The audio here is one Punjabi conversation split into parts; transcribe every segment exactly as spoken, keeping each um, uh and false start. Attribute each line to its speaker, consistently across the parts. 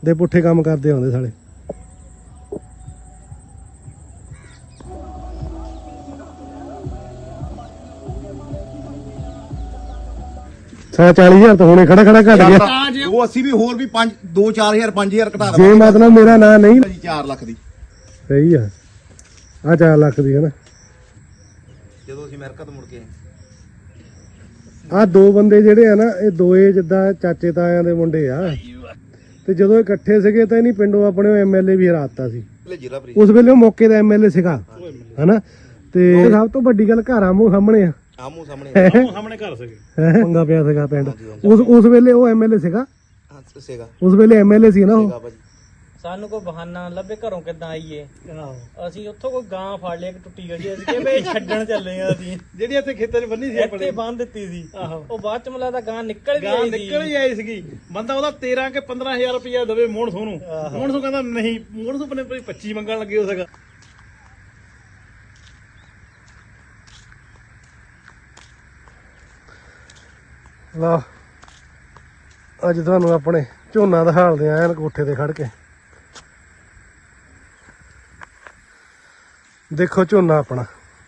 Speaker 1: ਦੇ ਪੁੱਠੇ ਕੰਮ ਕਰਦੇ ਆਉਂਦੇ ਸਾਲੇ। ਸਾ ਚਾਲੀ ਹਜ਼ਾਰ ਤਾਂ ਹੁਣੇ ਖੜਾ ਖੜਾ ਘਟ ਗਿਆ।
Speaker 2: ਉਹ ਅਸੀਂ ਵੀ ਹੋਰ ਵੀ ਪੰਜ ਦੋ ਚਾਰ ਹਜ਼ਾਰ ਪੰਜ ਹਜ਼ਾਰ ਘਟਾ
Speaker 1: ਜੇ ਮਤਲਬ ਮੇਰਾ ਨਾਂ ਨਹੀਂ
Speaker 2: ਚਾਰ ਲੱਖ ਦੀ
Speaker 1: ਸਹੀ ਆ। ਆ ਚਾਰ ਲੱਖ ਦੀ ਹੈ ਨਾ।
Speaker 2: ਜਦੋਂ ਅਸੀਂ ਅਮਰੀਕਾ ਤੋਂ ਮੁੜ ਕੇ
Speaker 1: ਆ ਦੋ ਬੰਦੇ ਜਿਹੜੇ ਆ ਨਾ ਇਹ ਦੋਏ ਜਿੱਦਾਂ ਚਾਚੇ ਤਾਇਆਂ ਦੇ ਮੁੰਡੇ ਆ ਤੇ ਜਦੋਂ ਇਕੱਠੇ ਸੀਗੇ ਤਾਂ ਇਹਨੀ ਪਿੰਡੋਂ ਆਪਣੇ ਐਮਐਲਏ ਵੀ ਹਰਾਤਾ ਸੀ ਉਸ ਵੇਲੇ। ਉਹ ਮੌਕੇ ਦਾ ਐਮਐਲਏ ਸੀਗਾ ਹਨਾ। ਤੇ ਸਭ ਤੋਂ ਵੱਡੀ ਗੱਲ ਘਰ ਆਮੋ ਸਾਹਮਣੇ ਆ।
Speaker 2: ਆਮੋ ਸਾਹਮਣੇ ਸਾਹਮਣੇ ਘਰ ਸੀਗੇ।
Speaker 1: ਪੰਗਾ ਪਿਆ ਸੀਗਾ ਪਿੰਡ ਉਸ ਉਸ ਵੇਲੇ ਉਹ ਐਮਐਲਏ ਸੀਗਾ
Speaker 2: ਸੀਗਾ
Speaker 1: ਉਸ ਵੇਲੇ ਐਮਐਲਏ ਸੀ ਨਾ ਉਹ।
Speaker 3: ਸਾਨੂੰ ਕੋਈ ਬਹਾਨਾ ਲੱਭੇ ਘਰੋਂ ਕਿੱਦਾਂ ਆਈਏ। ਅਸੀਂ ਉੱਥੋਂ ਕੋਈ ਗਾਂ ਫੜ ਲਿਆ, ਇੱਕ ਟੁੱਟੀ ਗਈ, ਅਸੀਂ ਕਿਹਾ ਬਈ ਛੱਡਣ ਚੱਲੇ ਆ ਅਸੀਂ। ਜਿਹੜੀ ਇੱਥੇ ਖੇਤਾਂ 'ਚ ਬੰਨੀ ਸੀ ਇੱਥੇ ਬੰਨ ਦਿੱਤੀ ਸੀ। ਉਹ ਬਾਅਦ ਚ ਮਲਾ ਦਾ ਗਾਂ ਨਿਕਲ ਵੀ ਆਈ ਸੀ ਨਿਕਲ ਹੀ ਆਈ ਸੀਗੀ। ਬੰਦਾ ਉਹਦਾ ਤੇਰਾਂ ਕੇ ਪੰਦਰਾਂ ਹਜ਼ਾਰ ਰੁਪਇਆ ਦੇਵੇ ਮੋਹਣਸੋਂ ਨੂੰ। ਮੋਹਣਸੋਂ ਕਹਿੰਦਾ ਨਹੀਂ, ਮੋਹਣਸੋਂ ਆਪਣੇ ਪੱਚੀ ਮੰਗਣ ਲੱਗੇ ਹੋ ਸਕਾ।
Speaker 1: ਲਾ ਅੱਜ ਤੁਹਾਨੂੰ ਆਪਣੇ ਝੋਨਾ ਦਿਖਾਲਦੇ ਆ ਐਨ ਕੋਠੇ ਤੇ ਖੜ ਕੇ। ਦੇਖੋ ਝੋਨਾ ਆਪਣਾ।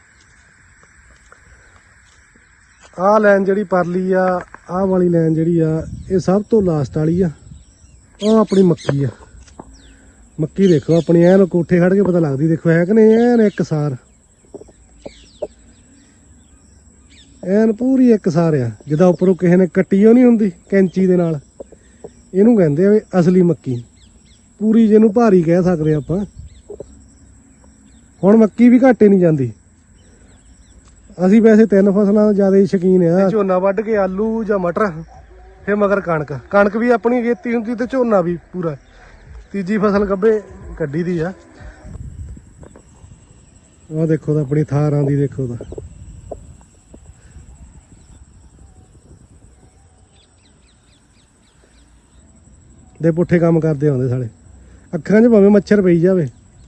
Speaker 1: ਆਹ ਲਾਈਨ ਜਿਹੜੀ ਪਰਲੀ ਆ, ਆਹ ਵਾਲੀ ਲਾਈਨ ਜਿਹੜੀ ਆ ਇਹ ਸਭ ਤੋਂ ਲਾਸਟ ਵਾਲੀ ਆ। ਉਹ ਆਪਣੀ ਮੱਕੀ ਆ। ਮੱਕੀ ਦੇਖੋ ਆਪਣੀ ਐਨ ਕੋਠੇ ਖੜ ਕੇ ਪਤਾ ਲੱਗਦੀ। ਦੇਖੋ ਹੈ ਕਿ ਨਹੀਂ ਐਨ ਇੱਕ ਸਾਰ, ਐਨ ਪੂਰੀ ਇੱਕ ਸਾਰ ਆ। ਜਿੱਦਾਂ ਉੱਪਰੋਂ ਕਿਸੇ ਨੇ ਕੱਟੀ ਉਹ ਨਹੀਂ ਹੁੰਦੀ ਕੈਂਚੀ ਦੇ ਨਾਲ, ਇਹਨੂੰ ਕਹਿੰਦੇ ਆ ਅਸਲੀ ਮੱਕੀ। ਪੂਰੀ ਜਿਹਨੂੰ ਭਾਰੀ ਕਹਿ ਸਕਦੇ ਆਪਾਂ। ਹੁਣ ਮੱਕੀ ਵੀ ਘਾਟੇ ਨਹੀਂ ਜਾਂਦੀ। ਅਸੀਂ ਵੈਸੇ ਤਿੰਨ ਫਸਲਾਂ ਜ਼ਿਆਦਾ ਹੀ ਸ਼ੌਕੀਨ ਆ। ਝੋਨਾ ਵੱਢ ਕੇ ਆਲੂ ਜਾਂ ਮਟਰ, ਫਿਰ ਮਗਰ ਕਣਕ। ਕਣਕ ਵੀ ਆਪਣੀ ਖੇਤੀ ਹੁੰਦੀ ਤੇ ਝੋਨਾ ਵੀ ਪੂਰਾ। ਤੀਜੀ ਫਸਲ ਗੱਭੇ ਕੱਢੀ ਦੀ ਆ। ਆਹ ਦੇਖੋ ਤਾਂ ਆਪਣੀ ਥਾਰਾਂ ਦੀ ਦੇਖੋ ਤਾਂ। ਦੇ ਪੁੱਠੇ ਕੰਮ ਕਰਦੇ ਆਉਂਦੇ ਸਾਲੇ। ਅੱਖਾਂ 'ਚ ਭਾਵੇਂ ਮੱਛਰ ਪਈ ਜਾਵੇ।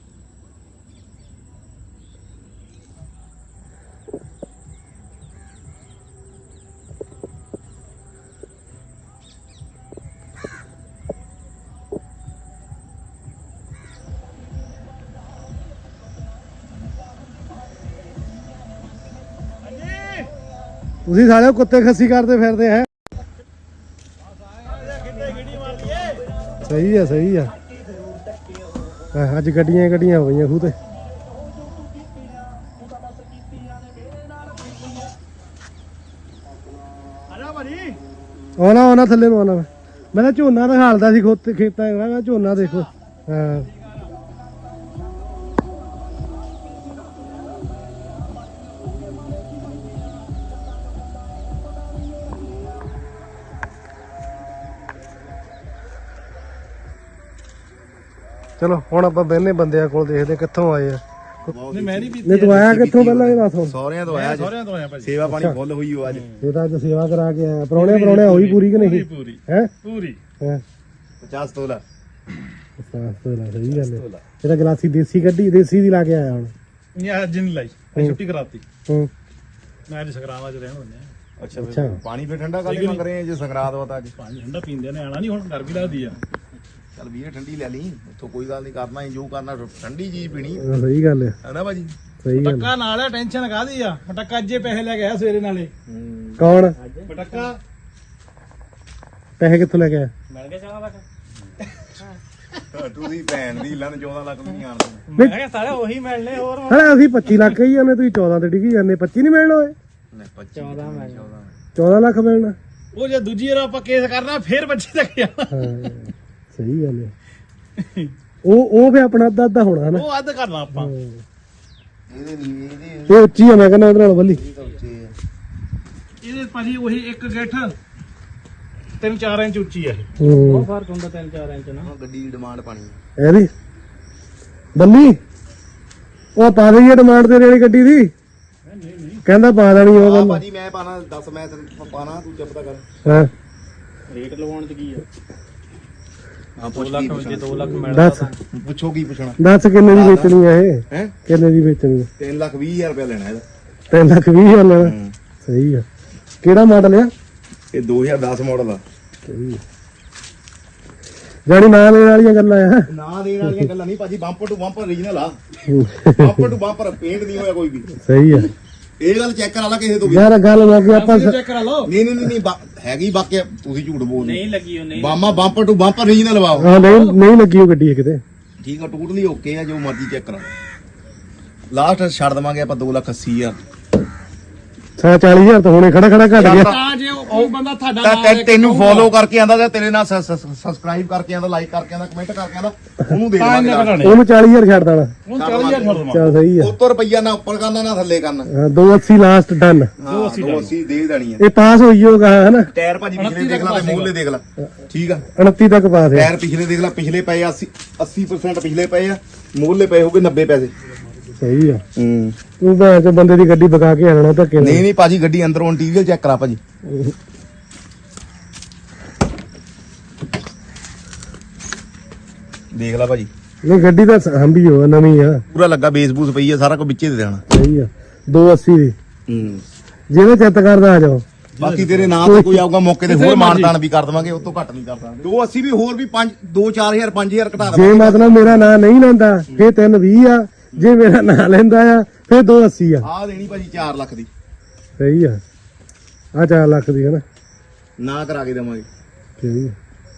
Speaker 1: ਤੁਸੀਂ ਸਾਲੇ ਕੁੱਤੇ ਖੱਸੀ ਕਰਦੇ ਫਿਰਦੇ ਹੈ। ਸਹੀ ਆ ਸਹੀ ਆ। ਅੱਜ ਗੱਡੀਆਂ ਗੱਡੀਆਂ ਹੋ ਗਈਆਂ ਖੂਹ ਤੇ। ਆਉਣਾ ਆਉਣਾ ਥੱਲੇ ਨੂੰ ਆਉਣਾ। ਮੈਂ ਤਾਂ ਝੋਨਾ ਦਿਖਾਲਦਾ ਸੀ ਖੋਤੇ ਖੇਤਾਂ। ਮੈਂ ਝੋਨਾ ਦੇਖੋ। ਹਾਂ ਚਲੋ ਹੁਣ ਆਪਾਂ ਬਹਿਨੇ ਬੰਦਿਆਂ ਕੋਲ, ਦੇਖਦੇ ਕਿੱਥੋਂ ਆਏ ਆ। ਨਹੀਂ ਤੂੰ ਆਇਆ ਕਿੱਥੋਂ ਪਹਿਲਾਂ ਇਹ ਦੱਸ।
Speaker 2: ਸਹੁਰਿਆਂ ਤੋਂ ਆਇਆ। ਸਹੁਰਿਆਂ ਤੋਂ ਆਇਆ ਭਾਜੀ। ਸੇਵਾ ਪਾਣੀ ਫੁੱਲ ਹੋਈ ਹੋ ਅੱਜ।
Speaker 1: ਇਹ ਤਾਂ ਅੱਜ ਸੇਵਾ ਕਰਾ ਕੇ ਆਇਆ। ਪਰੌਣੇ ਪਰੌਣੇ ਹੋਈ ਪੂਰੀ ਕਿ ਨਹੀਂ?
Speaker 2: ਪੂਰੀ
Speaker 1: ਹੈ
Speaker 2: ਪੂਰੀ।
Speaker 1: ਹੈ
Speaker 2: ਪਚਾਸ ਤੋਲਾ।
Speaker 1: ਪਚਾਸ ਤੋਲਾ ਸਹੀ ਗੱਲ ਹੈ। ਇਹ ਤਾਂ ਗਲਾਸੀ ਦੇਸੀ ਕੱਢੀ, ਦੇਸੀ ਦੀ ਲਾ ਕੇ ਆਇਆ ਹੁਣ।
Speaker 4: ਇਹ ਅੱਜ ਨਹੀਂ ਲਾਈ, ਛੁੱਟੀ ਕਰਾਤੀ।
Speaker 1: ਹੂੰ
Speaker 4: ਮੈਂ ਅੱਜ ਸੰਗਰਾਂਦ ਚ ਰਹਿਣ ਹੁੰਦੇ।
Speaker 2: ਅੱਛਾ ਅੱਛਾ। ਪਾਣੀ ਫੇ ਠੰਡਾ ਕਾਲੀ ਮੰਗ ਰਹੇ ਜੇ ਸੰਗਰਾਂਦ ਵਾ ਤਾਂ ਅੱਜ
Speaker 4: ਪਾਣੀ ਠੰਡਾ ਪੀਂਦੇ ਨੇ। ਆਣਾ ਨਹੀਂ ਹੁਣ, ਗਰਮੀ ਲੱਗਦੀ ਆ।
Speaker 2: ਚੱਲ ਵੀਰ ਠੰਡੀ ਲੈ ਲਈ ਉੱਥੋਂ, ਕੋਈ ਗੱਲ ਨਹੀਂ। ਕਰਨਾ ਹੀ ਜੋ ਕਰਨਾ, ਠੰਡੀ ਚੀਜ਼ ਪੀਣੀ।
Speaker 1: ਸਹੀ ਗੱਲ ਹੈ
Speaker 2: ਹੈ ਨਾ ਭਾਜੀ।
Speaker 1: ਸਹੀ ਗੱਲ।
Speaker 4: ਪਟੱਕਾ ਨਾਲ ਹੈ, ਟੈਨਸ਼ਨ ਕਾਹਦੀ ਆ। ਪਟੱਕਾ ਅੱਜੇ ਪੈਸੇ ਲੈ ਕੇ ਆਇਆ ਸਵੇਰੇ ਨਾਲੇ।
Speaker 1: ਕੌਣ
Speaker 4: ਪਟੱਕਾ?
Speaker 1: ਪੈਸੇ ਕਿੱਥੋਂ ਲੈ ਕੇ ਆਇਆ?
Speaker 3: ਮਿਲ ਗਏ ਚੌਦਾਂ ਲੱਖ।
Speaker 2: ਤੁਸੀਂ ਭੈਣ ਦੀ ਲੰਨ ਚੌਦਾਂ ਲੱਖ ਨਹੀਂ ਆਣਦੇ।
Speaker 3: ਮੈਂ ਕਿਹਾ ਸਾਲੇ ਉਹੀ ਮਿਲਨੇ ਹੋਰ।
Speaker 1: ਹਾਂ ਅਸੀਂ ਪੱਚੀ ਲੱਖ ਕਹੀ ਜਾਂਦੇ, ਤੁਸੀਂ ਚੌਦਾਂ ਤੇ ਡਿੱਗੀ ਜਾਂਦੇ। ਪੱਚੀ ਨਹੀਂ ਮਿਲਣਾ ਓਏ।
Speaker 3: ਚੌਦਾਂ ਮਿਲ
Speaker 1: ਚੌਦਾਂ ਲੱਖ ਮਿਲਣਾ।
Speaker 4: ਉਹ ਜੇ ਦੂਜੀ ਵਾਰ ਆਪਾਂ ਕੇਸ ਕਰਨਾ ਫੇਰ ਬੱਚੇ ਤੱਕ ਜਾਣਾ।
Speaker 1: ਹਾਂ ਸਹੀ ਗੱਲ ਹੈ। ਉਹ ਉਹ ਫੇ ਆਪਣਾ ਅੱਧਾ ਅੱਧਾ ਹੋਣਾ ਨਾ।
Speaker 4: ਉਹ ਅੱਧ ਕਰਨਾ ਆਪਾਂ।
Speaker 2: ਇਹਦੇ ਨਹੀਂ ਇਹਦੇ
Speaker 1: ਇਹ ਉੱਚੀ ਆ। ਮੈਂ ਕਹਿੰਦਾ ਉਹਦੇ ਨਾਲ ਬੱਲੀ
Speaker 4: ਇਹਦੇ ਭਾਜੀ ਉਹੀ ਇੱਕ ਗਿੱਠ ਤਿੰਨ ਚਾਰ ਇੰਚ ਉੱਚੀ ਹੈ।
Speaker 3: ਉਹ ਫਰਕ ਹੁੰਦਾ ਤਿੰਨ ਚਾਰ ਇੰਚ ਨਾ।
Speaker 2: ਗੱਡੀ ਦੀ ਡਿਮਾਂਡ ਪਾਣੀ
Speaker 1: ਇਹਦੀ ਬੱਲੀ ਉਹ ਪਾ ਦਈਏ ਡਿਮਾਂਡ ਤੇਰੇ ਵਾਲੀ ਗੱਡੀ ਦੀ। ਕਹਿੰਦਾ ਪਾ ਦੇਣੀ ਉਹ ਗੱਲ।
Speaker 2: ਭਾਜੀ ਮੈਂ ਪਾਣਾ ਦੱਸ, ਮੈਂ ਤੈਨੂੰ ਪਾਣਾ, ਤੂੰ ਚੁੱਪ ਤਾਂ ਕਰ।
Speaker 1: ਹਾਂ
Speaker 3: ਰੇਟ ਲਵਾਉਣ ਚ ਕੀ ਆ?
Speaker 2: ਹਾਂ ਪੁੱਛ ਕੀ ਪੁੱਛਣਾ।
Speaker 3: ਦੋ ਲੱਖ ਮਿਲਦਾ
Speaker 1: ਦੱਸ
Speaker 2: ਪੁੱਛੋ ਕੀ ਪੁੱਛਣਾ।
Speaker 1: ਦੱਸ ਕਿੰਨੇ ਦੀ ਵੇਚਣੀ ਆ ਇਹ?
Speaker 2: ਹੈ
Speaker 1: ਕਿੰਨੇ ਦੀ ਵੇਚਣੀ ਆ?
Speaker 2: ਤਿੰਨ ਲੱਖ ਵੀਹ ਹਜ਼ਾਰ ਰੁਪਇਆ ਲੈਣਾ ਇਹਦਾ।
Speaker 1: ਤਿੰਨ ਲੱਖ ਵੀਹ ਹਜ਼ਾਰ ਲੈਣਾ। ਸਹੀ ਆ। ਕਿਹੜਾ ਮਾਡਲ ਆ?
Speaker 2: ਇਹ ਦੋ ਹਜ਼ਾਰ ਦਸ ਮਾਡਲ ਆ।
Speaker 1: ਸਹੀ ਆ। ਜਾਣੀ ਨਾ ਲੈਣ ਵਾਲੀਆਂ ਗੱਲਾਂ ਆ।
Speaker 2: ਨਾ ਦੇਣ ਵਾਲੀਆਂ ਗੱਲਾਂ ਨਹੀਂ ਭਾਜੀ, ਬੰਪਰ ਟੂ ਬੰਪਰ ਰੀਜਨਲ ਆ। ਬੰਪਰ ਟੂ ਬੰਪਰ ਪੇਂਟ ਨਹੀਂ ਹੋਇਆ ਕੋਈ ਵੀ।
Speaker 1: ਸਹੀ ਆ
Speaker 2: ਇਹ ਗੱਲ ਚੈੱਕ ਕਰਾ ਲਾ ਕਿਸੇ ਤੋਂ ਵੀ।
Speaker 1: ਯਾਰ ਗੱਲ ਲੱਗੀ ਆਪਾਂ
Speaker 4: ਚੈੱਕ ਕਰਾ ਲਓ।
Speaker 2: ਨਹੀਂ ਨਹੀਂ ਨਹੀਂ ਬਾ- ਹੈਗੀ ਬਾਕੀ ਤੁਸੀਂ ਝੂਠ ਬੋਲਦੇ।
Speaker 3: ਨਹੀਂ ਲੱਗੀ ਉਹ ਨਹੀਂ
Speaker 2: ਬਾਮਾ bumper to bumper regional wow.
Speaker 1: ਹਾਂ ਨਹੀਂ ਨਹੀਂ ਲੱਗੀ ਉਹ ਗੱਡੀ ਕਿਤੇ।
Speaker 2: ਠੀਕ ਆ, ਟੋਟਲੀ ਓਕੇ ਆ, ਜੋ ਮਰਜ਼ੀ ਚੈੱਕ ਕਰਾ। ਲਾਸਟ ਛੱਡ ਦਵਾਂਗੇ ਆਪਾਂ ਦੋ ਲੱਖ ਅੱਸੀ ਹਜ਼ਾਰ।
Speaker 1: ਸਾ ਚਾਲੀ ਹਜ਼ਾਰ ਤਾਂ ਹੁਣੇ ਖੜਾ ਖੜਾ ਘਟ ਗਿਆ।
Speaker 4: ਤਾਂ ਜੇ ਉਹ ਬੰਦਾ ਤੁਹਾਡਾ
Speaker 2: ਤਾਂ
Speaker 4: ਨਾਮ
Speaker 2: ਤੈ-
Speaker 4: ਲੈ ਕੇ
Speaker 2: ਤੈਨੂੰ
Speaker 4: ਕਹੂਗਾ,
Speaker 2: ਫੋਲੋ ਕਰਕੇ ਆਂਦਾ ਤੇ ਤੇਰੇ ਨਾਲ ਸਬਸਕ੍ਰਾਈਬ ਕਰਕੇ ਆਂਦਾ, ਲਾਈਕ ਕਰਕੇ ਆਂਦਾ, ਕਮੈਂਟ ਕਰਕੇ ਆਂਦਾ, ਉਹਨੂੰ ਦੇ
Speaker 4: ਤਾਂ
Speaker 2: ਦੇਵਾਂਗੇ
Speaker 4: ਇੰਨੇ
Speaker 2: ਨਾਲ।
Speaker 4: ਘਟਾਣੇ।
Speaker 1: ਉਹਨੂੰ ਚਾਲੀ ਹਜ਼ਾਰ ਛੱਡ ਦੇਣਾ।
Speaker 4: ਹੁਣ ਚਾਲੀ ਹਜ਼ਾਰ ਛੱਡ ਦਵਾਂ।
Speaker 1: ਚਲ ਸਹੀ ਆ।
Speaker 2: ਉੱਤੋਂ ਰੁਪਈਆ ਨਾ ਉੱਪਰ ਕਰਨਾ ਨਾ ਥੱਲੇ ਕਰਨਾ।
Speaker 1: ਹਾਂ ਦੋ ਅੱਸੀ ਲਾਸਟ ਡਨ।
Speaker 2: ਹਾਂ ਦੋ ਅੱਸੀ ਦੇ ਦੇਣੀ ਆ।
Speaker 1: ਇਹ ਪਾਸ ਹੋਈ ਹੋਗਾ ਹਨਾ।
Speaker 2: ਟਾਇਰ ਭਾਜੀ ਪਿਛਲੇ ਦੇਖ ਲਾ ਤੇ ਮੂਹਰਲੇ ਦੇਖ ਲਾ। ਠੀਕ ਆ,
Speaker 1: ਉਨੱਤੀ ਤੱਕ ਪਾਸ ਹੈ।
Speaker 2: ਟਾਇਰ ਪਿਛਲੇ ਦੇਖ ਲਾ, ਪਿਛਲੇ ਪਏ ਆ ਅੱਸੀ ਅੱਸੀ percent ਪਿਛਲੇ ਪਏ ਆ, ਮੂਹਰਲੇ ਪਏ ਹੋਗੇ ਨੱਬੇ ਪੈਸੇ।
Speaker 1: ਸਹੀ ਆ।
Speaker 2: ਹੂੰ
Speaker 1: ਤੂੰ ਭੈਣ ਚੋ ਬੰਦੇ ਦੀ ਗੱਡੀ ਬਕਾ ਕੇ ਆਣਾ ਧੱਕੇ ਨਾਲ।
Speaker 2: ਨਹੀਂ ਨਹੀਂ ਭਾਜੀ, ਗੱਡੀ ਅੰਦਰੋਂ ਇੰਟੀਰੀਅਰ ਚੈੱਕ ਕਰਾ ਭਾਜੀ। ਦੇਖ ਲਾ ਭਾਜੀ,
Speaker 1: ਨਹੀਂ ਗੱਡੀ ਤਾਂ ਹੰਬੀ ਹੋ ਨਵੀਂ ਆ।
Speaker 2: ਪੂਰਾ ਲੱਗਾ, ਬੇਸ ਬੂਸ ਪਈ ਆ, ਸਾਰਾ ਕੁਝ ਵਿੱਚੇ ਦੇ ਦੇਣਾ।
Speaker 1: ਸਹੀ ਆ। ਦੋ ਅੱਸੀ ਦੀ
Speaker 2: ਹੂੰ
Speaker 1: ਜਿਹਦੇ ਚਿੱਤ ਕਰਦਾ ਆ ਜਾਓ।
Speaker 2: ਬਾਕੀ ਤੇਰੇ ਨਾਂ ਤੇ ਕੋਈ ਆਊਗਾ ਮੌਕੇ ਤੇ ਹੋਰ ਮਾਨਤਾਨ ਵੀ ਕਰ ਦਵਾਂਗੇ, ਉਸ ਤੋਂ ਘੱਟ ਨਹੀਂ ਕਰ ਦਾਂਗੇ। ਦੋ ਅੱਸੀ ਵੀ ਹੋਰ ਵੀ ਪੰਜ ਦੋ ਚਾਰ ਹਜ਼ਾਰ ਪੰਜ ਹਜ਼ਾਰ ਘਟਾ
Speaker 1: ਜੇ
Speaker 2: ਦਵਾਂਗੇ।
Speaker 1: ਮਤਲਬ ਮੇਰਾ ਨਾਂ ਨਹੀਂ ਲੈਂਦਾ ਫੇਰ ਤਿੰਨ ਵੀਹ ਆ। ਜੇ ਮੇਰਾ ਨਾਂ ਲੈਂਦਾ ਆ ਫੇਰ ਦੋ ਅੱਸੀ ਆ।
Speaker 2: ਆਹ ਦੇਣੀ ਭਾਜੀ ਚਾਰ ਲੱਖ ਦੀ,
Speaker 1: ਸਹੀ ਆ। ਆ ਚਾਰ ਲੱਖ ਦੀ ਹੈ ਨਾ।
Speaker 2: ਨਾ ਕਰਾ ਕੇ ਦੇਵਾਂਗੇ।
Speaker 1: ਸਹੀ ਆ।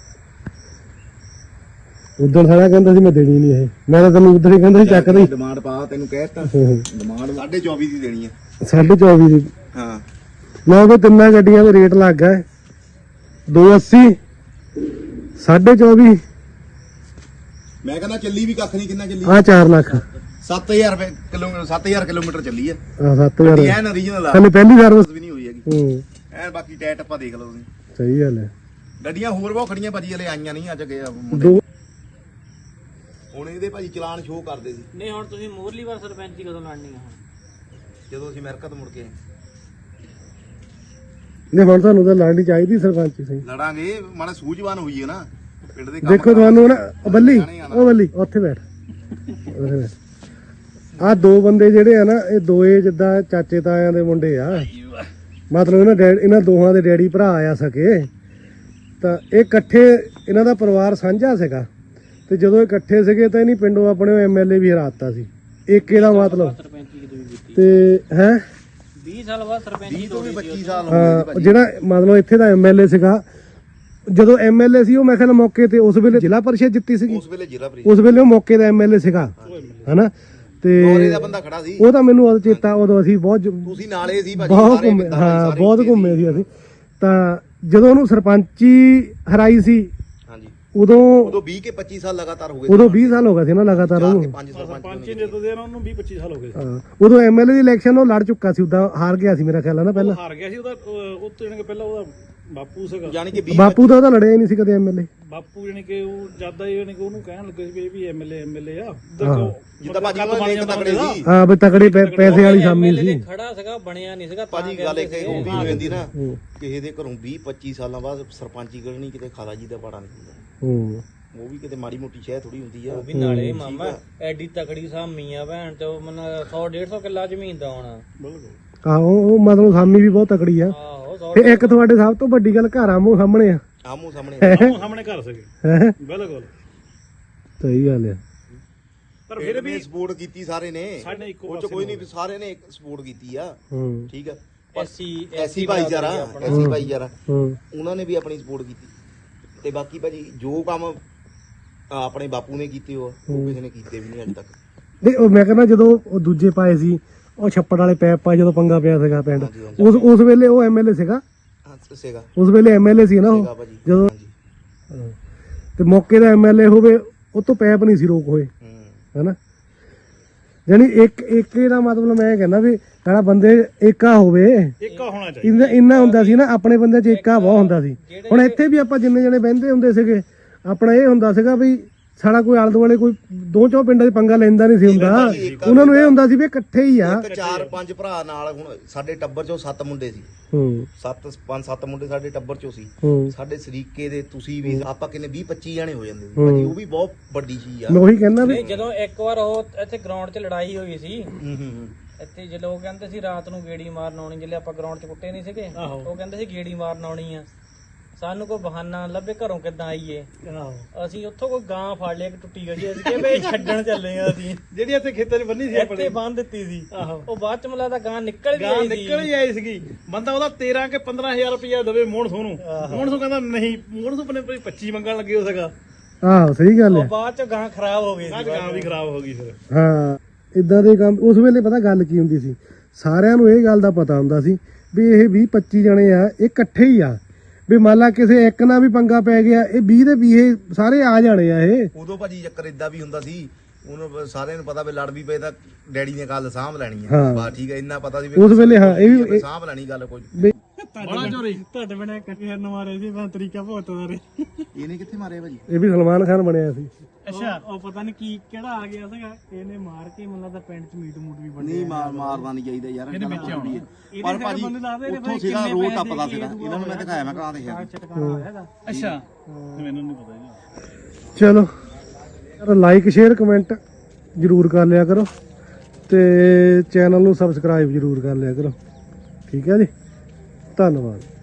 Speaker 1: ਉਦੋਂ ਸਾਰਾ ਕਹਿੰਦਾ ਸੀ ਮੈਂ ਦੇਣੀ ਨਹੀਂ ਇਹ। ਮੈਂ ਤਾਂ ਤੈਨੂੰ ਉਦੋਂ ਹੀ ਕਹਿੰਦਾ ਸੀ ਚੱਕ ਦੇ।
Speaker 2: ਡਿਮਾਂਡ ਪਾ, ਤੈਨੂੰ ਕਹਿਤਾ ਡਿਮਾਂਡ ਸਾਢੇ ਚੌਵੀ ਦੀ ਦੇਣੀ ਆ।
Speaker 1: ਸਾਢੇ ਚੌਵੀ ਦੀ
Speaker 2: ਹਾਂ
Speaker 1: ਨਾ ਉਹ ਤਿੰਨਾਂ ਗੱਡੀਆਂ ਦਾ ਰੇਟ ਲੱਗ ਗਿਆ ਦੋ ਅੱਸੀ ਸਾਢੇ ਚੌਵੀ
Speaker 2: ਮੈਂ ਕਹਿੰਦਾ ਚੱਲੀ ਵੀ ਕੱਖ ਨਹੀਂ। ਕਿੰਨਾ ਚੱਲੀ?
Speaker 1: ਆ ਚਾਰ ਲੱਖ
Speaker 2: ਸੱਤ ਹਜ਼ਾਰ ਰੁਪਏ ਕਿਲੋਮੀਟਰ ਸੱਤ ਹਜ਼ਾਰ ਕਿਲੋਮੀਟਰ ਚੱਲੀ ਆ।
Speaker 1: ਆ ਸੱਤ ਹਜ਼ਾਰ
Speaker 2: ਐਨ ਓਰੀਜਨਲ ਆ,
Speaker 1: ਹਲੇ ਪਹਿਲੀ ਸਰਵਿਸ।
Speaker 2: ਵੀ ਨਹੀਂ ਹੋਈ ਹੈਗੀ
Speaker 1: ਹੂੰ
Speaker 2: ਐਨ। ਬਾਕੀ ਟੈਟ ਆਪਾਂ ਦੇਖ ਲਓ ਤੁਸੀਂ।
Speaker 1: ਸਹੀ ਗੱਲ ਹੈ।
Speaker 2: ਗੱਡੀਆਂ ਹੋਰ ਬਹੁਤ ਖੜੀਆਂ ਭਾਜੀ, ਹਲੇ ਆਈਆਂ ਨਹੀਂ, ਅੱਜ ਗਏ ਆ ਮੁੰਡੇ।
Speaker 1: ਦੋ
Speaker 2: ਹੁਣ ਇਹਦੇ ਭਾਜੀ ਚਲਾਨ ਸ਼ੋਅ ਕਰਦੇ ਸੀ
Speaker 3: ਨਹੀਂ ਹੁਣ ਤੁਸੀਂ ਮੂਰਲੀ ਵਾਰ ਸਰਪੰਚੀ ਕਦੋਂ ਲੜਨੀ ਆ? ਹੁਣ
Speaker 2: ਜਦੋਂ ਅਸੀਂ ਅਮਰੀਕਾ ਤੋਂ ਮੁੜ ਕੇ ਆਏ।
Speaker 1: ਨਹੀਂ ਹੁਣ ਤੁਹਾਨੂੰ ਤਾਂ ਲੜਨੀ ਚਾਹੀਦੀ ਸਰਪੰਚ ਸਹੀ।
Speaker 2: ਲੜਾਂਗੇ, ਮਾੜਾ ਸੂਝਵਾਨ ਹੋਈਏ ਨਾ ਪਿੰਡ ਦੇ ਕੰਮ।
Speaker 1: ਦੇਖੋ ਤੁਹਾਨੂੰ ਨਾ ਉਹ ਬੱਲੀ ਉਹ ਬੱਲੀ ਉੱਥੇ ਬੈਠ ਉੱਥੇ ਬੈਠ। ਆ ਦੋ ਬੰਦੇ ਜਿਹੜੇ ਆ ਨਾ ਇਹ ਦੋਏ ਜਿੱਦਾਂ ਚਾਚੇ ਤਾਇਆਂ ਦੇ ਮੁੰਡੇ ਆ। ਮਤਲਬ ਇਹਨਾਂ ਡੈਡ ਇਹਨਾਂ ਦੋਹਾਂ ਦੇ ਡੈਡੀ ਭਰਾ ਆ ਸਕੇ। ਤਾਂ ਇਹ ਇਕੱਠੇ ਇਹਨਾਂ ਦਾ ਪਰਿਵਾਰ ਸਾਂਝਾ ਸੀਗਾ ਤੇ ਜਦੋਂ ਇਹ ਇਕੱਠੇ ਸੀਗੇ ਤਾਂ ਇਹਨੀ ਪਿੰਡੋਂ ਆਪਣੇ ਐਮਐਲਏ ਵੀ ਹਰਾਤਾ ਸੀ। ਏਕੇ ਦਾ ਮਤਲਬ
Speaker 3: ਸਰਪੰਚੀ ਕਿਦੋਂ ਵੀ ਕੀਤੀ?
Speaker 1: ਤੇ ਹੈ
Speaker 3: ਵੀਹ ਸਾਲ ਬਾਅਦ ਸਰਪੰਚੀ
Speaker 2: ਵੀਹ ਤੋਂ ਵੀ
Speaker 3: ਤੋੜੀ ਸੀ
Speaker 2: ਪੱਚੀ ਸਾਲ ਹੋ ਗਏ ਜੀ
Speaker 1: ਹਾਂ
Speaker 2: ਭਾਜੀ।
Speaker 1: ਜਿਹੜਾ ਮਤਲਬ ਇੱਥੇ ਦਾ ਐਮਐਲਏ ਸੀਗਾ ਜਦੋਂ ਐਮਐਲਏ ਸੀ ਉਹ ਮੈਂ ਕਹਿੰਦਾ ਮੌਕੇ ਤੇ ਉਸ ਵੇਲੇ ਜ਼ਿਲ੍ਹਾ ਪਰਿਸ਼ਦ ਜਿੱਤੀ ਸੀਗੀ।
Speaker 2: ਉਸ ਵੇਲੇ ਜ਼ਿਲ੍ਹਾ ਪ੍ਰੀਸ਼ਦ
Speaker 1: ਉਸ ਵੇਲੇ ਉਹ ਮੌਕੇ ਦਾ ਐਮਐਲਏ ਸੀਗਾ ਹਨਾ। ਤੇ
Speaker 2: ਗੋਰੇ ਦਾ ਬੰਦਾ ਖੜਾ ਸੀ।
Speaker 1: ਉਹ ਤਾਂ ਮੈਨੂੰ ਉਦੋਂ ਚੇਤਾ ਉਦੋਂ ਅਸੀਂ ਬਹੁਤ ਜ-
Speaker 2: ਤੁਸੀਂ ਨਾਲੇ ਸੀ ਭਾਜੀ,
Speaker 1: ਬਹੁਤ
Speaker 2: ਸਾਰੇ
Speaker 1: ਘੁੰਮੇ
Speaker 2: ਕਿੱਦਾਂ
Speaker 1: ਹਾਂ
Speaker 2: ਸਾਰੇ
Speaker 1: ਬਹੁਤ
Speaker 2: ਇੱਥੇ
Speaker 1: ਘੁੰਮੇ ਸੀ ਅਸੀਂ। ਤਾਂ ਜਦੋਂ ਉਹਨੂੰ ਸਰਪੰਚੀ ਹਰਾਈ ਸੀ
Speaker 2: ਹਾਂਜੀ।
Speaker 1: ਉਦੋਂ
Speaker 2: ਉਦੋਂ ਵੀਹ ਕੇ ਪੱਚੀ ਸਾਲ ਲਗਾਤਾਰ ਹੋ ਗਏ।
Speaker 1: ਉਦੋਂ ਵੀਹ ਸਾਲ ਹੋ ਗਏ ਸੀ ਨਾ ਲਗਾਤਾਰ
Speaker 2: ਚਾਰ ਕੇ
Speaker 1: ਉਹਨੂੰ।
Speaker 2: ਪੰਜ ਸਰਪੰਚ
Speaker 4: ਪੰਜ ਨੇ ਤੋਂ ਦੇਣਾ ਉਹਨੂੰ ਵੀਹ ਪੱਚੀ ਸਾਲ ਹੋ ਗਏ।
Speaker 1: ਹਾਂ ਉਦੋਂ ਐਮਐਲਏ ਦੀ ਇਲੈਕਸ਼ਨ ਉਹ ਲੜ ਚੁੱਕਾ ਸੀ। ਉਦਾਂ ਹਾਰ ਗਿਆ ਸੀ ਮੇਰਾ ਖਿਆਲ ਹੈ ਨਾ ਪਹਿਲਾਂ।
Speaker 4: ਹਾਰ ਗਿਆ ਸੀ ਉਹਦਾ। ਉਹ ਉਹ ਤੋਂ ਜਾਣੀ ਕਿ ਪਹਿਲਾਂ ਉਹਦਾ ਬਾਪੂ ਸੀਗਾ।
Speaker 2: ਜਾਨੀ ਕਿ ਵੀਹ
Speaker 1: ਬਾਪੂ ਦਾ ਉਹਦਾ ਲੜਿਆ ਹੀ ਨਹੀਂ ਸੀ ਕਦੇ ਐਮਐਲਏ।
Speaker 4: ਬਾਪੂ ਜਾਣੀ ਕਿ ਉਹ ਜਿਆਦਾ ਹੀ ਜਾਣੀ ਕਿ ਉਹਨੂੰ ਕਹਿਣ ਲੱਗੇ ਸੀ ਵੀ ਇਹ ਵੀ ਐਮਐਲਏ ਐਮਐਲਏ ਆ। ਦੇਖੋ
Speaker 2: ਜਿੱਦਾਂ ਭਾਜੀ ਉਹ ਇੱਕ ਤਕੜੇ ਸੀ
Speaker 1: ਹਾਂ ਵੀ ਤਕੜੇ ਪੈ- ਪੈਸੇ ਵਾਲੀ ਸਾਮੀ
Speaker 3: MLA
Speaker 1: ਸੀ।
Speaker 3: ਦੇ ਖੜਾ ਸੀਗਾ ਬਣਿਆ ਨਹੀਂ ਸੀਗਾ ਤਾਂ
Speaker 2: ਭਾਜੀ ਗੱਲ ਇੱਕ
Speaker 3: ਕਹਿੰਦੇ
Speaker 2: ਉਹ
Speaker 3: ਸੀ।
Speaker 2: ਵੀ ਹੋ ਜਾਂਦੀ ਨਾ, ਕਿਸੇ ਦੇ ਘਰੋਂ ਵੀਹ ਪੱਚੀ ਸਾਲਾਂ ਬਾਅਦ ਸਰਪੰਚੀ ਕਰਨੀ, ਕਿਤੇ ਖਾਲਾ ਜੀ ਦਾ ਬਾੜਾ ਨਹੀਂ ਹੁੰਦਾ।
Speaker 1: ਹੂੰ
Speaker 2: ਉਹ ਵੀ ਕਿਤੇ ਮਾੜੀ ਮੋਟੀ ਸ਼ਹਿ ਥੋੜੀ ਹੁੰਦੀ ਆ।
Speaker 3: ਉਹ ਵੀ ਨਾਲੇ ਮਾਮਾ ਐਡੀ ਤਕੜੀ ਸਾਮੀ ਆ ਭੈਣ ਚੋ ਮਨ ਸੌ ਡੇਢ ਸੌ ਕਿੱਲਾ ਜ਼ਮੀਨ ਦਾ ਹੋਣਾ।
Speaker 4: ਬਿਲਕੁਲ।
Speaker 1: ਆਹੋ ਉਹ ਮਤਲਬ ਸਾਮੀ ਵੀ ਬਹੁਤ ਤਕੜੀ ਆ।
Speaker 3: ਆਹੋ ਸੌ
Speaker 1: ਤੇ ਇੱਕ ਤੁਹਾਡੇ ਸਭ ਤੋਂ ਵੱਡੀ ਗੱਲ ਘਰ ਆਮੋ ਸਾਹਮਣੇ ਆ।
Speaker 2: ਆਮੋ ਸਾਹਮਣੇ
Speaker 4: ਆਮੋ ਸਾਹਮਣੇ ਘਰ ਸੀਗੇ।
Speaker 1: ਹੈਂ?
Speaker 4: ਬਿਲਕੁਲ।
Speaker 1: ਸਹੀ ਗੱਲ ਆ।
Speaker 4: ਪਰ ਫਿਰ ਵੀ
Speaker 2: ਸਪੋਰਟ ਕੀਤੀ ਸਾਰੇ ਨੇ,
Speaker 4: ਸਾਡੇ ਇੱਕੋ
Speaker 2: ਉਹ ਚ ਕੋਈ ਨਹੀਂ, ਸਾਰੇ ਨੇ ਸਪੋਰਟ ਕੀਤੀ ਆ।
Speaker 1: ਹੂੰ
Speaker 2: ਠੀਕ ਆ,
Speaker 3: ਐਸੀ
Speaker 2: ਐਸੀ ਭਾਈਚਾਰਾ ਐਸੀ ਭਾਈਚਾਰਾ
Speaker 1: ਹੂੰ
Speaker 2: ਉਹਨਾਂ ਨੇ ਵੀ ਆਪਣੀ ਸਪੋਰਟ ਕੀਤੀ। ਤੇ ਬਾਕੀ ਭਾਜੀ ਜੋ ਕੰਮ ਆ ਆਪਣੇ ਬਾਪੂ ਨੇ ਕੀਤੇ ਉਹ ਉਹ ਕਿਸੇ ਨੇ ਕੀਤੇ ਵੀ ਨਹੀਂ ਅੱਜ ਤੱਕ।
Speaker 1: ਨਹੀਂ ਉਹ ਮੈਂ ਕਹਿੰਦਾ ਜਦੋਂ ਉਹ ਦੂਜੇ ਪਾਏ ਸੀ ਉਹ ਛੱਪੜ ਵਾਲੇ ਪੈਪ ਪਾਏ ਜਦੋਂ ਪੰਗਾ ਪਿਆ ਸੀਗਾ ਪਿੰਡ
Speaker 2: ਹਾਂਜੀ, ਹਾਂਜੀ।
Speaker 1: ਉਸ ਉਸ ਵੇਲੇ ਉਹ ਐਮਐਲਏ ਸੀਗਾ।
Speaker 2: ਹਾਂ ਸੀਗਾ
Speaker 1: ਉਸ ਵੇਲੇ ਐਮਐਲਏ ਸੀ ਨਾ ਉਹ
Speaker 2: ਸੀਗਾ ਭਾਜੀ।
Speaker 1: ਜਦੋਂ
Speaker 2: ਹਾਂਜੀ।
Speaker 1: ਤੇ ਮੌਕੇ ਦਾ ਐਮਐਲਏ ਹੋਵੇ ਉਹ ਤੋਂ ਪੈਪ ਨਹੀਂ ਸੀ ਰੋਕ ਹੋਏ
Speaker 2: ਹੂੰ।
Speaker 1: ਹੈਨਾ। ਯਾਨੀ ਇੱਕ ਏਕੇ ਦਾ ਮਤਲਬ ਮੈਂ ਕਹਿੰਦਾ ਵੀ ਸਾਡਾ ਬੰਦੇ ਏਕਾ ਹੋਵੇ।
Speaker 4: ਇੱਕ ਹੋਣਾ ਚਾਹੀਦਾ।
Speaker 1: ਇੰਨਾ ਇੰਨਾ ਹੁੰਦਾ ਸੀ ਨਾ ਆਪਣੇ ਬੰਦੇ 'ਚ ਏਕਾ ਬਹੁਤ ਹੁੰਦਾ ਸੀ। ਹੁਣ ਇੱਥੇ ਵੀ ਆਪਾਂ ਜਿੰਨੇ ਜਣੇ ਬਹਿੰਦੇ ਹੁੰਦੇ ਸੀਗੇ ਆਪਣਾ ਇਹ ਹੁੰਦਾ ਸੀਗਾ ਵੀ ਸਾਡਾ ਕੋਈ ਆਲੇ ਦੁਆਲੇ ਕੋਈ ਦੋ ਚੌ ਪਿੰਡਾਂ 'ਚ ਪੰਗਾ ਲੈਂਦਾ ਨਹੀਂ ਸੀ ਹੁੰਦਾ। ਉਹਨਾਂ ਨੂੰ ਇਹ ਹੁੰਦਾ ਸੀ ਵੀ ਇਕੱਠੇ ਹੀ ਆ।
Speaker 2: ਇੱਕ ਚਾਰ ਪੰਜ ਭਰਾ ਨਾਲ, ਹੁਣ ਸਾਡੇ ਟੱਬਰ ਚੋਂ ਸੱਤ ਮੁੰਡੇ ਸੀ।
Speaker 1: ਹੂੰ
Speaker 2: ਸੱਤ ਪੰਜ ਸੱਤ ਮੁੰਡੇ ਸਾਡੇ ਟੱਬਰ ਚੋਂ ਸੀ।
Speaker 1: ਹੂੰ
Speaker 2: ਸਾਡੇ ਸਰੀਕੇ ਦੇ ਤੁਸੀਂ ਵੀ ਆਪਾਂ ਕਿੰਨੇ ਵੀਹ ਪੱਚੀ ਜਾਣੇ ਹੋ ਜਾਂਦੇ ਸੀ ਭਾਜੀ। ਉਹ ਵੀ ਬਹੁਤ ਵੱਡੀ ਚੀਜ਼ ਆ।
Speaker 1: ਮੈਂ ਉਹੀ ਕਹਿੰਦਾ ਵੀ
Speaker 3: ਨਹੀਂ ਜਦੋਂ ਇੱਕ ਵਾਰ ਉਹ ਇੱਥੇ ਗਰਾਊਂਡ 'ਚ ਲੜਾਈ ਹੋਈ ਸੀ
Speaker 2: ਹੂੰ ਹੂੰ ਹੂੰ।
Speaker 3: ਇੱਥੇ ਜੇ ਲੋਕ ਕਹਿੰਦੇ ਸੀ ਰਾਤ ਨੂੰ ਗੇੜੀ ਮਾਰਨ ਆਉਣੀ, ਜਿਹੜੇ ਆਪਾਂ ਗਰਾਊਂਡ 'ਚ ਕੁੱਟੇ ਨਹੀਂ ਸੀਗੇ ਉਹ ਕਹਿੰਦੇ ਸੀ ਗੇੜੀ ਮਾਰਨ ਆਉਣੀ ਆ। ਸਾਨੂੰ ਕੋਈ ਬਹਾਨਾ ਲੱਭੇ ਘਰੋਂ ਕਿੱਦਾਂ ਆਈਏ ਅਸੀਂ ਉੱਥੋਂ ਕੋਈ ਗਾਂ ਫੜ ਲਿਆ ਇੱਕ ਟੁੱਟੀ ਗਈ ਅਸੀਂ ਕਿਹਾ ਵੀ ਛੱਡਣ ਚੱਲੇ ਆ ਅਸੀਂ
Speaker 4: ਜਿਹੜੀ ਇੱਥੇ ਖੇਤਾਂ 'ਚ ਬੰਨੀ ਸੀ
Speaker 3: ਇੱਥੇ ਬੰਨ ਦਿੱਤੀ ਸੀ ਉਹ ਬਾਅਦ ਚ ਮਲਾ ਦਾ ਗਾਂ ਨਿਕਲ ਵੀ
Speaker 4: ਗਾਂ
Speaker 3: ਆਈ
Speaker 4: ਨਿਕਲ
Speaker 3: ਸੀ
Speaker 4: ਹੀ ਆਈ ਸੀਗੀ ਬੰਦਾ ਉਹਦਾ ਤੇਰਾਂ ਕੇ ਪੰਦਰਾਂ ਹਜ਼ਾਰ ਰੁਪਇਆ ਦੇਵੇ ਮੋਹਣਸੋਂ ਨੂੰ ਮੋਹਣਸੋਂ ਕਹਿੰਦਾ ਨਹੀਂ ਮੋਹਣਸੋਂ ਆਪਣੇ ਕੋਈ ਪੱਚੀ ਮੰਗਣ ਲੱਗੇ ਹੋ ਸਗਾ
Speaker 1: ਆਹੋ ਸਹੀ ਗੱਲ
Speaker 3: ਉਹ
Speaker 1: ਹੈ।
Speaker 3: ਬਾਅਦ ਚ ਗਾਂ ਖਰਾਬ ਹੋ ਗਈ
Speaker 4: ਗਾਂ
Speaker 3: ਸੀ
Speaker 4: ਗਾਂ ਵੀ ਖਰਾਬ ਹੋ ਗਈ ਫਿਰ
Speaker 1: ਹਾਂ ਇਦਾਂ ਦੇ ਕੰਮ ਉਸ ਵੇਲੇ ਪਤਾ ਗੱਲ ਕੀ ਹੁੰਦੀ ਸੀ, ਸਾਰਿਆਂ ਨੂੰ ਇਹ ਗੱਲ ਦਾ ਪਤਾ ਹੁੰਦਾ ਸੀ ਵੀ ਇਹ ਵੀਹ ਪੱਚੀ ਜਣੇ ਆ, ਇਹ ਇਕੱਠੇ ਹੀ ਆ, ਵੀ ਮੰਨ ਲਾ ਕਿਸੇ ਇੱਕ ਨਾਲ ਵੀ ਪੰਗਾ ਪੈ ਗਿਆ ਇਹ ਵੀਹ ਦੇ ਵੀਹ ਸਾਰੇ ਆ ਜਾਣੇ ਆ ਇਹ।
Speaker 2: ਉਦੋਂ ਭਾਜੀ ਚੱਕਰ ਇਦਾਂ ਵੀ ਹੁੰਦਾ ਸੀ, ਉਹਨੂੰ ਸਾਰਿਆਂ ਨੂੰ ਪਤਾ ਵੀ ਲੜ ਵੀ ਪਏ ਤਾਂ ਡੈਡੀ ਨੇ ਗੱਲ ਸਾਂਭ ਲੈਣੀ
Speaker 1: ਹਾਂ।
Speaker 2: ਆ ਬਾ ਠੀਕ ਹੈ ਇੰਨਾ ਪਤਾ ਸੀ ਵੀ
Speaker 1: ਉਸ ਵੇਲੇ ਹਾਂ ਇਹ ਵੀ
Speaker 2: ਸਾਂਭ ਲੈਣੀ ਗੱਲ ਕੋਈ
Speaker 1: ਵੀ
Speaker 4: ਬੜਾ ਚੋਰੀ
Speaker 3: ਤੁਹਾਡੇ ਬਣੇ ਇਕੱਠੇ ਨੂੰ ਮਾਰੇ ਸੀ ਮੈਂ ਤਰੀਕਾ ਬਹੁਤ ਮਾਰੇ
Speaker 2: ਇਹਨੇ ਕਿੱਥੇ ਮਾਰੇ ਭਾਜੀ?
Speaker 1: ਇਹ ਵੀ ਸਲਮਾਨ ਖਾਨ ਬਣਿਆ ਸੀ।
Speaker 3: ਅੱਛਾ ਉਹ ਪਤਾ ਨਹੀਂ ਕੀ ਕਿਹੜਾ ਆ ਗਿਆ ਸੀਗਾ ਇਹਨੇ ਮਾਰ ਕੇ ਮੈਨੂੰ ਲੱਗਦਾ ਪਿੰਡ ਚ ਮੀਟ ਮੂਟ ਵੀ ਬਣਿਆ
Speaker 2: ਨਹੀਂ ਮਾਰ ਮਾਰਨਾ ਨਹੀਂ ਚਾਹੀਦਾ ਯਾਰ
Speaker 4: ਇਹਦੇ ਵਿੱਚ ਆਉਣਾ।
Speaker 2: ਪਰ ਭਾਜੀ ਉੱਥੋਂ ਸੀਗਾ ਰੋਡ ਟੱਪਦਾ ਸੀਗਾ ਇਹਨਾਂ ਨੂੰ ਮੈਂ ਦਿਖਾਇਆ ਮੈਂ ਕਹਾਂ ਦੇਖਿਆ
Speaker 3: ਚਟਕਾਣਾ ਹੋਇਆ ਇਹਦਾ
Speaker 4: ਅੱਛਾ ਮੈਨੂੰ ਨਹੀਂ ਪਤਾ ਜੀ।
Speaker 1: ਚਲੋ ਯਾਰ ਲਾਈਕ ਸ਼ੇਅਰ ਕਮੈਂਟ ਜਰੂਰ ਕਰ ਲਿਆ ਕਰੋ ਤੇ ਚੈਨਲ ਨੂੰ ਸਬਸਕ੍ਰਾਈਬ ਜਰੂਰ ਕਰ ਲਿਆ ਕਰੋ। ਠੀਕ ਹੈ ਜੀ, ਧੰਨਵਾਦ।